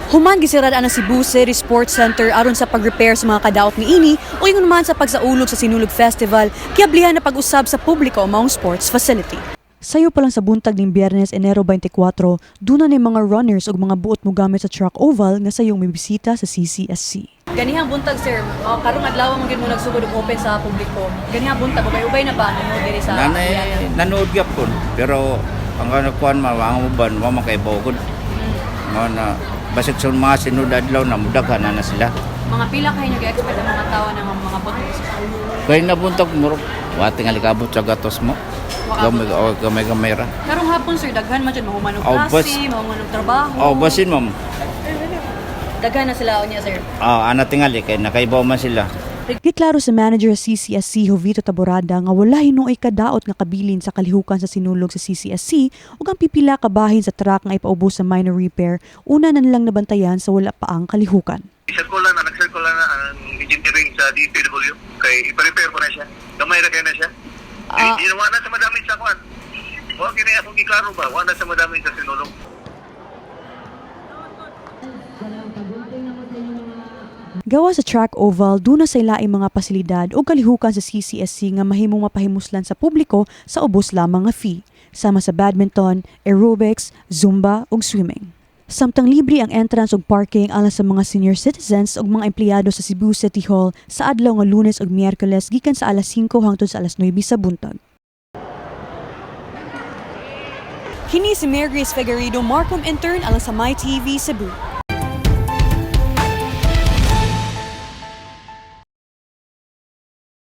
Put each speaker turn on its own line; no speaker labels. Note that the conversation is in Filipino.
Human gisirad ang Cebu City Sports Center aron sa pag-repair sa mga kadaot niini o ingon naman sa pagsaulog sa Sinulog Festival kiablihan na pag-usab sa publiko ang maong sports facility. Sayo pa lang sa buntag ning Biyernes, Enero 24, duna ni mga runners ug mga buot mo gamit sa track oval nga sayong may bisita sa CCSC. Ganihang buntag sir, karong adlaw mo gyud mo nagsugod og open sa publiko. Ganihang buntag ubay-ubay na ba nimo diri sa
nanood gyapon pero ang kuan mawang uban wa man kay bogod. Na basit sa mga sinud adlaw na mudaghan na sila.
Mga pila kayo nag-expect ang mga tao ng mga buntag?
Kay nabuntag mo wa tingali kabot sa gatos mo. Gamay ra.
Karong hapon sir, daghan man dyan, mahuman og klase, mahuman og trabaho.
Basin ma'am.
Daghan na sila niya sir.
Ana tingali kay nakaibaw man sila.
Giklaro sa manager sa CCSC Jovito Taborada nga wala hinuoy kadaot nga kabilin sa kalihukan sa sinulog sa CCSC ug ang pipila ka bahin sa truck nga ipaubos sa minor repair una na nilang nabantayan sa wala pa ang kalihukan.
Nag-circular na ang engineering sa DPW kay ipa-repair po na siya. Gamay ra kay na siya. Hindi naman na sa madami sa kwan. Huwag kini akong iklaro ba? Wala sa madami sa sinulog.
Gawa sa track oval, duna sa ilaing mga pasilidad o kalihukan sa CCSC nga mahimong mapahimuslan sa publiko sa ubos lamang nga fee, sama sa badminton, aerobics, zumba ug swimming. Samtang libre ang entrance ug parking alang sa mga senior citizens ug mga empleyado sa Cebu City Hall sa adlaw nga Lunes ug Miyerkules gikan sa alas 5 hangtod sa alas 9 sa buntag. Kini si Mary Grace Figueredo, Marcom Intern alang sa MyTV Cebu.